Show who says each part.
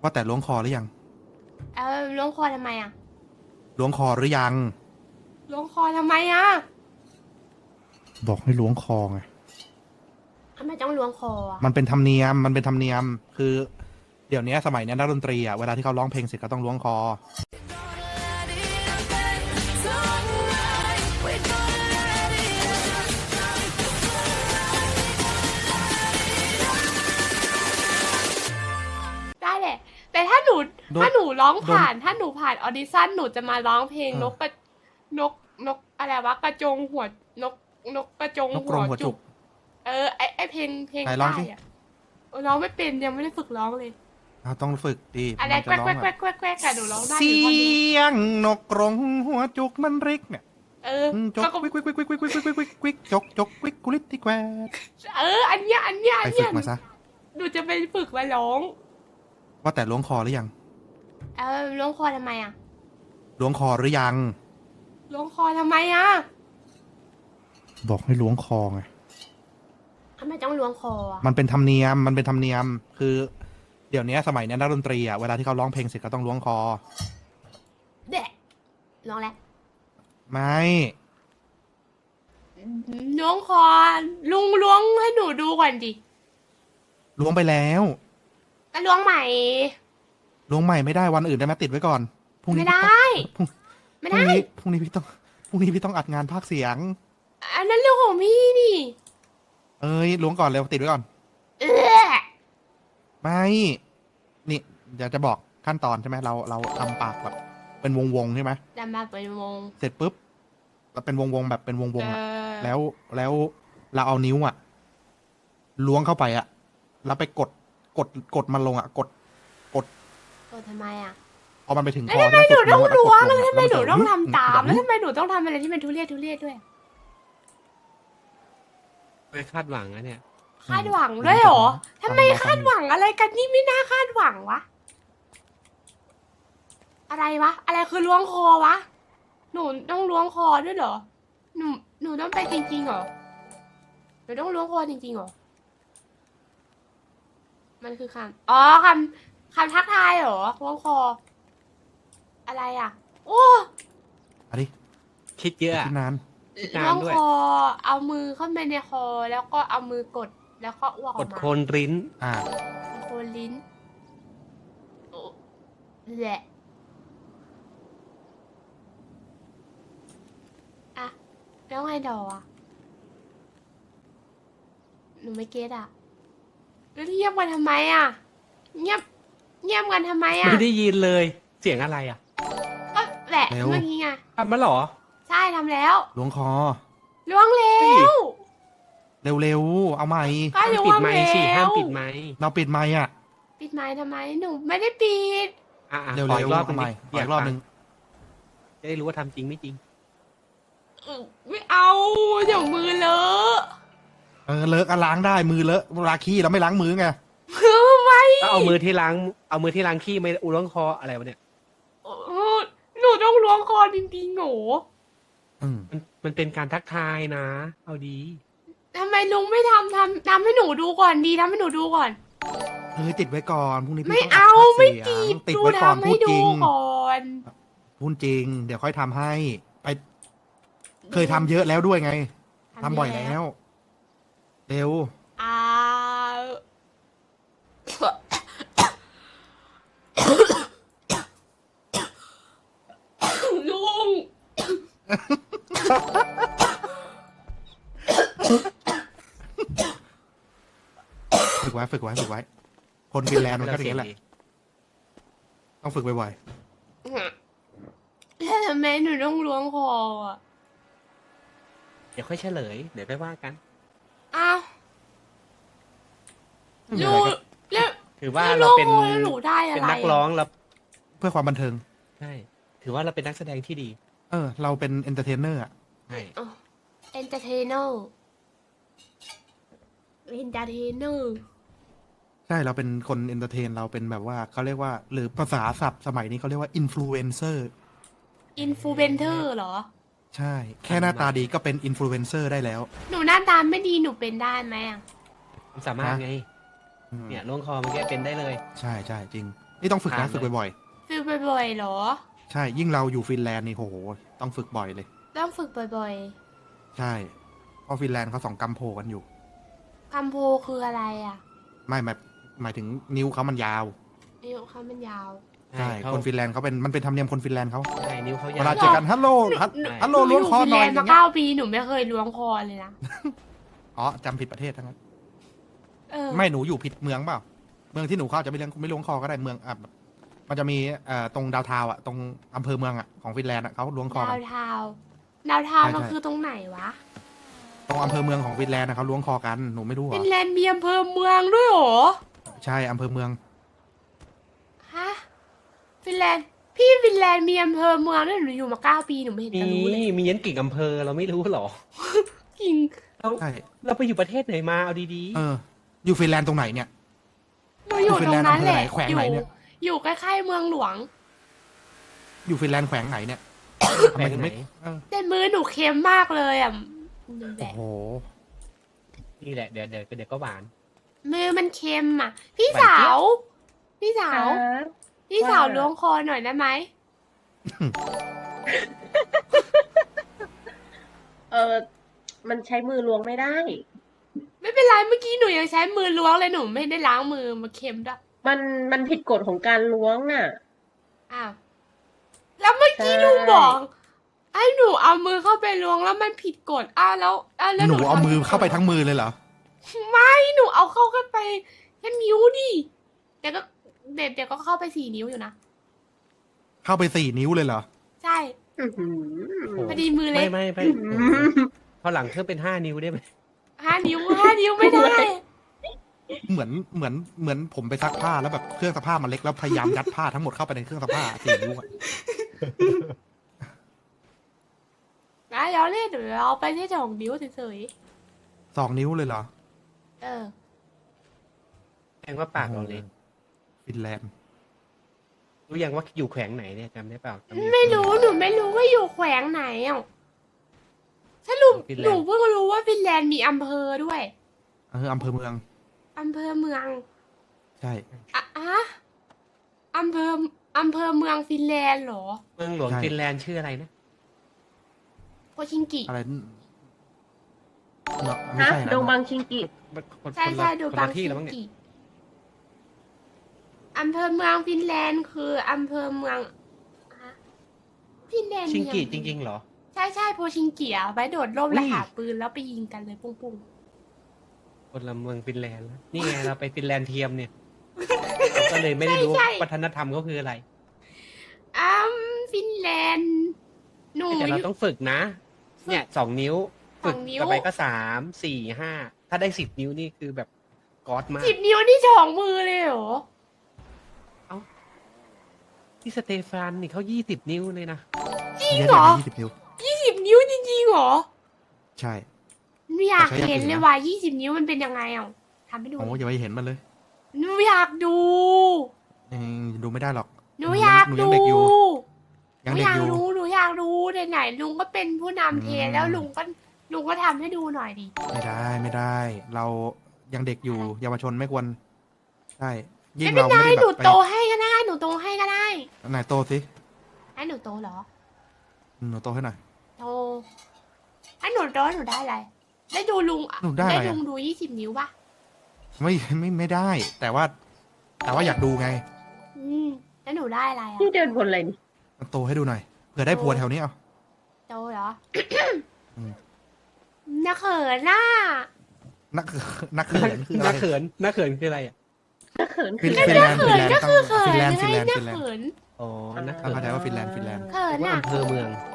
Speaker 1: ว่าแต่ล้วงคอหรือยัง
Speaker 2: ล้วงคอทำไมอ่ะ
Speaker 1: ล้วงคอหรือยัง
Speaker 2: ล้วงคอทำไมอ่ะ
Speaker 1: บอกให้ล้วงคอไง
Speaker 2: ทำไมต้องล้วงคออ่ะ
Speaker 1: มันเป็นธรรมเนียมคือเดี๋ยวนี้สมัยนี้นักดนตรีอ่ะเวลาที่เขาร้องเพลงเสร็จก็ต้องล้วงคอ
Speaker 2: ได้แหละแต่ถ้าหนู
Speaker 1: โดน
Speaker 2: ถ้าหนูร้อง
Speaker 1: โดน
Speaker 2: ผ่านถ้าหนูผ่านออดิชั่นหนูจะมาร้องเพลง
Speaker 1: เออ
Speaker 2: นกอะไรวะกระจงหัวนกนกกระจง
Speaker 1: นกกรงหัวจุก
Speaker 2: ไอเพลง
Speaker 1: ไหนร้องสิ
Speaker 2: ใต้อะร้องไม่เป็นยังไม่ได้ฝึกร้องเลย
Speaker 1: ต้องฝึกดี
Speaker 2: อะไร
Speaker 1: มัน
Speaker 2: แกวกแกวก
Speaker 1: จะร้องอ่ะ
Speaker 2: แกวกแกวกอะหนูร้องได้อ
Speaker 1: เสี
Speaker 2: ยู่ท่อนเดียวย
Speaker 1: งนกกรงหัวจุกมันริกเนี่ย
Speaker 2: เออ
Speaker 1: จกวิกวิกวิกวิกวิกวิกวิกวิกวิกวิกจกวิกกุลิตที่แควด
Speaker 2: อันเนี้ย
Speaker 1: ไปฝึกมาซะ
Speaker 2: หนูจะไปฝึกมาร้อง
Speaker 1: ว่าแต่ล้วงคอหรือยัง
Speaker 2: ล้วงคอทำไมอ่ะ
Speaker 1: ล้วงคอหรือยัง
Speaker 2: ล้วงคอทำไมอ่ะ
Speaker 1: บอกให้ล้วงคอไง
Speaker 2: ทำไมต้องล้วงคออ่ะ
Speaker 1: มันเป็นธรรมเนียมคือเดี๋ยวนี้สมัยนี้นักดนตรีอ่ะเวลาที่เขาร้องเพลงเสร็จก็ต้องล้วงคอ
Speaker 2: เดะล้วงแล้ว
Speaker 1: ไม่
Speaker 2: ล้วงคอลุงล้วงให้หนูดูก่อนดิ
Speaker 1: ล้วงไปแล้ว
Speaker 2: ก็ล้วงใหม่
Speaker 1: ล้วงใหม่ไม่ได้วันอื่นได้ไหมติดไว้ก่อนพรุ่งนี้
Speaker 2: ไม่ได้
Speaker 1: พรุ่ง
Speaker 2: ไม่ได้
Speaker 1: พรุ่งนี้พี่ต้องอัดงานภาคเสียง
Speaker 2: อันนั้นเรื่องของพี่นี่
Speaker 1: เอ้ยล้วงก่อนเร็วติดไว้ก่อน
Speaker 2: เออ
Speaker 1: ไม่นี่เดี๋ยวจะบอกขั้นตอนใช่ไหมเราทำปากแบบเป็นวงใช่ไหม
Speaker 2: ดำมาเป็นวง
Speaker 1: เสร็จปุ๊บเราเป็นวงแบบเป็นวงอ่ะ
Speaker 2: อ
Speaker 1: แล้วเราเอานิ้วอ่ะล้วงเข้าไปอ่ะแล้วไปกดมันลงอ่ะกด
Speaker 2: ทำไมอ่ะ
Speaker 1: พอมันไปถึงคอ
Speaker 2: แล้วทำไมหนูต้องล้วง
Speaker 1: แล้
Speaker 2: แล้ว วทำไมหนูต้องทำตาม
Speaker 1: แบ
Speaker 2: แล้ว
Speaker 1: บ
Speaker 2: ทำไมหนูต้องทำอะไรที่มันทุเรศด้วย
Speaker 3: ไปคาดหวังนะเนี่ย
Speaker 2: คาดหวังด้วยเหรอทำไมคาดหวังอะไรกันนี่ไม่น่าคาดหวังวะอะไรวะอะไรคือล้วงคอวะหนูต้องล้วงคอด้วยเหรอหนูต้องไปจริงๆเหรอหนูต้องล้วงคอจริงๆเหรอมันคือคำทักทายเหรอล้วงคออะไรอ่ะโอ้
Speaker 1: อันนี้
Speaker 3: คิดเยอะอะ
Speaker 1: คิดนาน
Speaker 3: นาน
Speaker 2: ล้วง
Speaker 3: ด้วย
Speaker 2: คอเอามือเข้าไปในคอแล้วก็เอามือกดแล้วก็อ้วกอ
Speaker 3: ก
Speaker 2: อ
Speaker 3: ด
Speaker 2: กมา
Speaker 3: โคนริ้น
Speaker 2: โคนลิ้นโอ้แหละอะแล้วไงดอกอ่ะหนูไม่เก็ตอ่ะแล้วเงียบกันทำไมอ่ะเงียบกันทำไมอ่ะ
Speaker 3: ไม่ได้ยินเลย เสียงอะไรอ่ะ
Speaker 2: ก็แหละ
Speaker 1: เร็ว
Speaker 2: เมื่อกี้ไง
Speaker 3: ทำมาเหรอ
Speaker 2: ใช่ทำแล้ว
Speaker 1: ล้วงคอ
Speaker 2: ล้วงแล้
Speaker 3: เฮ้ย
Speaker 2: ว
Speaker 1: เร็วๆเอาใหม่
Speaker 2: ก็
Speaker 3: ห้าม
Speaker 2: ล้ว
Speaker 3: ปิด
Speaker 2: ง
Speaker 3: ไม
Speaker 2: แล้
Speaker 3: ค์สิห้าม
Speaker 2: ว
Speaker 3: ปิดไมค์
Speaker 1: เราปิดไมค์อ่ะ
Speaker 2: ปิดไม้ทำไมหนูไม่ได้ปิด
Speaker 3: อ่ะ
Speaker 1: เร็ว
Speaker 3: ขออีกรอบห
Speaker 1: เอา
Speaker 3: นึง
Speaker 1: ใหม่
Speaker 3: ดิ
Speaker 1: ขออีกรอบหนึง
Speaker 3: จะได้รู้ว่าทำจริงไม่จริง
Speaker 2: ไม่เอาเดี๋ยวมือเลอะ
Speaker 1: เลอะก็ล้างได้มือเลอะเวลาขี้เราไม่ล้างมือไง
Speaker 2: ไม่
Speaker 3: ก็เอามือที่ล้างขี้ไม่อุล้วงคออะไรวะเนี่ย
Speaker 2: หนูต้องล้วงคอจริงๆหนู
Speaker 1: อืม
Speaker 3: มันเป็นการทักทายนะ เอาดี
Speaker 2: ทำไมลุงไม่ทำให้หนูดูก่อนดีทำให้หนูดูก่อน
Speaker 1: ติดไว้ก่อนพรุ่งนี้
Speaker 2: ไม่
Speaker 1: พี่ต้อง
Speaker 2: เอา
Speaker 1: อัดภาค
Speaker 2: ไม่
Speaker 1: เสีย
Speaker 2: จี
Speaker 1: ง
Speaker 2: บ
Speaker 1: ติด
Speaker 2: ดู
Speaker 1: ไว้ก่อน
Speaker 2: ทำ
Speaker 1: พู
Speaker 2: ให้
Speaker 1: ดจ
Speaker 2: ดู
Speaker 1: ริง
Speaker 2: ก่อน
Speaker 1: พูดจริง เดี๋ยวค่อยทำให้ ไป เคยทำเยอะแล้วด้วยไงทำบ่อยแล้ว เร็ว
Speaker 2: อ่าลุง
Speaker 1: ฝึกไว้ คนฟินแลนด์มันก็อย่างนี้แหละ ต้องฝึกบ่อย
Speaker 2: แล้วทำไมหนูต้องล้วงคออ่ะ
Speaker 3: เดี๋ยวค่อยเฉลย เดี๋ยวค่อยว่ากัน
Speaker 2: อ้าว
Speaker 1: ๆไม่มี
Speaker 2: ลุ
Speaker 1: อะไร
Speaker 2: ง
Speaker 1: ก็
Speaker 2: แล้ว
Speaker 3: ถือว่า
Speaker 2: ล้ว
Speaker 3: เรา
Speaker 2: ง
Speaker 3: เป็น
Speaker 2: คอแล้วหนูได้อะไร
Speaker 3: เป็นนักร้องแล้ว
Speaker 1: เพื่อความบันเทิง
Speaker 3: ใช่ ถือว่าเราเป็นนักแสดงที่ดี
Speaker 1: เราเป็นเอนเตอร์เทนเนอร์อ่ะ
Speaker 3: ใช่
Speaker 2: เอนเตอร์เทนเนอร์
Speaker 1: ใช่เราเป็นคนเอนเตอร์เทนเราเป็นแบบว่าเขาเรียกว่า หรือภาษาศัพท์สมัยนี้เขาเรียกว่าอินฟลูเอนเซอร์
Speaker 2: อินฟลูเอนเซอร์เหรอ
Speaker 1: ใช่ แค่หน้าตาดีก็เป็นอินฟลูเอนเซอร์ได้แล้ว
Speaker 2: หนูหน้าตาไม่ดีหนูเป็นได้ไหมอ่ะ
Speaker 3: ความสามารถไง
Speaker 1: ม
Speaker 3: เนี่ยล้วงคอเมื่อกี้เป็นได้เลย
Speaker 1: ใช่ใช่จริง นี่ต้องฝึกนะ
Speaker 3: ผ่านเลย
Speaker 1: ฝึกบ่อย
Speaker 2: ฝึกบ่อยๆเหรอ
Speaker 1: ๆ ใช่ ยิ่งเราอยู่ฟินแลนด์นี่โห ต้องฝึกบ่อยเลย
Speaker 2: ต้องฝึกบ่อย
Speaker 1: ใช่ เพราะฟินแลนด์เขา2 กำโพกันอยู่
Speaker 2: ๆคำโพคืออะไรอ่ะ
Speaker 1: ไม่หมายถึงนิ้วเขามันยาว
Speaker 2: นิ้วเขามันยาว
Speaker 1: ใช่
Speaker 3: เขา
Speaker 1: คนฟินแลนด์เขาเป็น มันเป็นธรรมเนียมคนฟินแลนด์เขา
Speaker 3: ใช่นิ้วเขา
Speaker 1: เวย
Speaker 3: าว
Speaker 1: ลาเจอกันฮัลโหลฮัลโหลล้วงคอหน่อย
Speaker 2: ห
Speaker 1: อ
Speaker 2: นูอยู่ฟินแลนด์
Speaker 1: ย่างเงี้ย
Speaker 2: มา9 ปีหนูไม่เคยล้วงคอเลยนะ
Speaker 1: อ๋อจำผิดประเทศทั้งนั้น
Speaker 2: เออ
Speaker 1: ไม่หนูอยู่ผิดเมืองเปล่า เมืองที่หนูเข้าจะไม่ล้วงคอก็ได้เมืองอ่ะมันจะมีตรงดาวเทาวน์อ่ะตรงอำเภอเมืองอ่ะของฟินแลนด์อ่ะเขาล้วงคอ
Speaker 2: ดา
Speaker 1: กั
Speaker 2: วน เทาวน์ดาวเทาวน์
Speaker 1: ใช่
Speaker 2: มัน
Speaker 1: ใช่
Speaker 2: คือตรงไหนวะ
Speaker 1: ตรงอำเภอเมืองของฟินแลนด์นะเขาล้วงคอกันหนูไม่รู้เหร
Speaker 2: ฟิ
Speaker 1: อน
Speaker 2: แลนด์มีอำเภอเมืองด้วยเหรอ
Speaker 1: ใช่อำเภอเมือง
Speaker 2: ฮะ ฟินแลนด์ พี่ฟินแลนด์มีอำเภอเมืองด้วยหนูอยู่มา9 ปีหนูไม่เห็น
Speaker 3: มี
Speaker 2: จะรู้เลย
Speaker 3: มียันกิ่งอำเภอเราไม่รู้หรอ
Speaker 2: จริง
Speaker 3: เรา
Speaker 1: ใช่
Speaker 3: เราไปอยู่ประเทศไหนมาเอาดี
Speaker 1: เออ อยู่ฟินแลนด์ตรงไหนเนี่ย
Speaker 2: หนูอยู่
Speaker 1: ฟิ
Speaker 2: ต
Speaker 1: น
Speaker 2: ร
Speaker 1: แล
Speaker 2: ง
Speaker 1: นด์
Speaker 2: นั้นแหละ
Speaker 1: อำเภอไหนแขวงไหนเนี่ย
Speaker 2: อยู่ใกล้ๆเมืองหลวง
Speaker 1: อยู่ฟินแลนด์แขวงไหนเนี่ย
Speaker 3: ๆ
Speaker 1: ทำไมถึงไม่
Speaker 3: แปลกไหน
Speaker 1: เออ
Speaker 2: แต่มือหนูเค็มมากเลยอ่ะดูแบ
Speaker 1: โอ้
Speaker 2: บ
Speaker 1: โห
Speaker 3: นี่แหละเดี๋ยวก็หวาน
Speaker 2: มือมันเค็มอ่ะ พี่
Speaker 3: หวาน
Speaker 2: สา
Speaker 3: เจี๊ยบ
Speaker 2: ว พี่สาว พี่สาวล้วงคอหน่อยได้ไหม
Speaker 4: มันใช้มือล้วงไม่ได้
Speaker 2: ไม่เป็นไรเมื่อกี้หนูยังใช้มือล้วงเลยหนูไม่ได้ล้างมือมาเค็มด้วย
Speaker 4: มันผิดกฎของการล้วงน่ะ
Speaker 2: อ้าวแล้วเมื่อกี้
Speaker 4: ใช่
Speaker 2: ลุงบอกให้หนูเอามือเข้าไปล้วงแล้วมันผิดกฎอ้าวแล้ว
Speaker 1: หนูเอา
Speaker 2: ทำ
Speaker 1: มือ
Speaker 2: ผิดกฎ
Speaker 1: เข้าไปทั้งมือเลยเหรอ
Speaker 2: ไม่หนูเอาเข้าไปแค่นิ้วดิเดี๋ยวก็เข้าไป4 นิ้วอยู่นะ
Speaker 1: เข้าไป4 นิ้วเลยเหรอ
Speaker 2: ใช่
Speaker 4: อื้อหือ
Speaker 3: โอ้
Speaker 2: พอดีมือเล็
Speaker 3: ไม่
Speaker 2: ก
Speaker 3: ไม่
Speaker 4: อื้อหือ
Speaker 3: พอหลังเครื่องเป็น5 นิ้วได้ไหม
Speaker 2: 5 นิ้วไม่ได้
Speaker 1: เหมือนผมไปซักผ้าแล้วแบบเครื่องซักผ้ามันเล็กแล้วพยายามยัดผ้าทั้งหมดเข้าไปในเครื่องซักผ้า4 นิ้วอะ
Speaker 2: นะเดี๋ยวเล่นเดี๋ยวเอาไปแค่2 นิ้วเฉย
Speaker 1: 2 นิ้วเลยเหรอ
Speaker 2: ๆเออ
Speaker 3: แสดงว่าปากเราเล็ก
Speaker 1: ฟินแลนด์
Speaker 3: รู้ยังว่าอยู่แขวงไหนเนี่ยจำได้เปล่าจำ
Speaker 2: ไม่รู้หนูไม่รู้ว่าอยู่แขวงไหนอ่ะสรุป
Speaker 3: ฟินแลนด์
Speaker 2: หนูเพิ่งรู้ว่าฟินแลนด์มีอำเภอด้วย
Speaker 1: อำเภอเมือง
Speaker 2: อำเภอเมือง
Speaker 1: ใช่
Speaker 2: อะอำเภอเมืองฟินแลนด์เหรอ
Speaker 3: เมืองหลวง
Speaker 1: ใช่
Speaker 3: ฟินแลนด์ชื่ออะไรนะ
Speaker 2: โคชิงกิ
Speaker 1: อะไรเนาะไม่
Speaker 4: ฮะ
Speaker 1: ใช่นะ
Speaker 4: ดงบังชิงกิ
Speaker 3: คน
Speaker 2: ใช่
Speaker 3: คน
Speaker 2: ใช่
Speaker 3: ละ
Speaker 2: ดู
Speaker 3: คน
Speaker 2: บา
Speaker 3: ละ
Speaker 2: ง
Speaker 3: ที่
Speaker 2: ชิ
Speaker 3: แล้ว
Speaker 2: ง
Speaker 3: มั้งเนี่ย
Speaker 2: กิอำเภอเมืองฟินแลนด์คืออำเภอเมืองฮะฟินแลนด์
Speaker 3: ชิงกิ
Speaker 2: มี
Speaker 3: จ
Speaker 2: อำเภอ
Speaker 3: ริงๆเหรอ
Speaker 2: ใช่ใช่โพชิงกิอ่ะไว้โดดร่ม
Speaker 3: อุ้ย
Speaker 2: แล้วหาปืนแล้วไปยิงกันเลยปุ้ง
Speaker 3: คนละเมืองฟินแลนด์แล้วนี่ไงเราไปฟินแลนด์เทียมเนี่ยเราก็เลยไม่ได้รู้วัฒนธรรมเขาคืออะไร
Speaker 2: ๆฟินแลนด์หนู
Speaker 3: แต่
Speaker 2: อ
Speaker 3: เรา
Speaker 2: ยู่
Speaker 3: ต้องฝึกนะ เนี่ย2 นิ้ว ฝึก
Speaker 2: 2 นิ้ว
Speaker 3: ต่อไปก็3 4 5ถ้าได้10 นิ้วนี่คือแบบก๊อดมาก
Speaker 2: 10 นิ้วนี่2 มือเลยเหรอ
Speaker 3: ที่สเตฟานนี่เขา20 นิ้วเลยนะ
Speaker 2: จริง
Speaker 1: เยอะ
Speaker 2: เหร
Speaker 1: เล
Speaker 2: อ
Speaker 1: ย20 นิ้ว
Speaker 2: 20 นิ้วจริงๆเหรอ
Speaker 1: ใช่
Speaker 2: ไม่อยาก
Speaker 1: แต่ใช้อย่าง
Speaker 2: เห็น
Speaker 1: อื่น
Speaker 2: เลย
Speaker 1: นะ
Speaker 2: ว่า20 นิ้วมันเป็นยังไงอ่ะทำให้ดู
Speaker 1: โอ้อย่าไปเห็นมันเลย
Speaker 2: หนูอยากดู
Speaker 1: ดูไม่ได้หรอก
Speaker 2: หนูอยาก
Speaker 1: หนู
Speaker 2: ดู
Speaker 1: ยังเด็กอยู่
Speaker 2: ห
Speaker 1: ยัง
Speaker 2: นู
Speaker 1: เด็
Speaker 2: อก ยาก
Speaker 1: อยู่
Speaker 2: รู้หนูอยากรู้ไหนๆลุงก็เป็นผู้นำเท
Speaker 1: อืม
Speaker 2: แล้วลุงก็ทำให้ดูหน่อยดิ
Speaker 1: ไม่ได้ เรายังเด็กอยู่ เยาวชนไม่ควร ใช่ ยิ่
Speaker 2: ไม่
Speaker 1: ง
Speaker 2: เป็น
Speaker 1: เรา
Speaker 2: ไร
Speaker 1: ไม่ได้
Speaker 2: หนู
Speaker 1: แบบไป
Speaker 2: โตให้ก็ได้หนูโตให้ก็ได้
Speaker 1: ไหนโตสิ
Speaker 2: ให้หนูโตเหรอ
Speaker 1: หนูโตให้หน่อย
Speaker 2: โตให้หนูโตหนูได้อะไรได้ดูลุง
Speaker 1: หนูได้อะไรอะ
Speaker 2: ลุงดู20 นิ้วปะ
Speaker 1: ไม่ได้ แต่ว่าอยากดูไง
Speaker 2: แล้วหนูได้อะไรอ่ะ
Speaker 4: นี่เดินบนอะไรนี่
Speaker 1: โตให้ดูหน่อย เผื่อได้ผัวแถวนี้เอา
Speaker 2: โตเหรอ
Speaker 1: อืม
Speaker 2: น่าเขินน่ะ
Speaker 1: นักเขินคืออะไร
Speaker 3: น่าเขินน่าเขินคืออะไรอ่ะ
Speaker 4: ถ้าเขิน
Speaker 1: ฟิ
Speaker 4: ขึ้
Speaker 1: น
Speaker 4: น
Speaker 1: แลนด์
Speaker 2: เขินก็คือเขิน
Speaker 1: ฟินแลนด์
Speaker 2: ไง
Speaker 1: ฟินแลนด์
Speaker 2: น่า
Speaker 1: ฟินแลนด์
Speaker 2: เขิน
Speaker 3: อ๋อน่า
Speaker 1: เข้า
Speaker 3: เขิน
Speaker 1: ใจว่าฟินแลนด์
Speaker 2: เขิน
Speaker 3: ว่า
Speaker 2: น่ะ
Speaker 3: อำเภอเมือง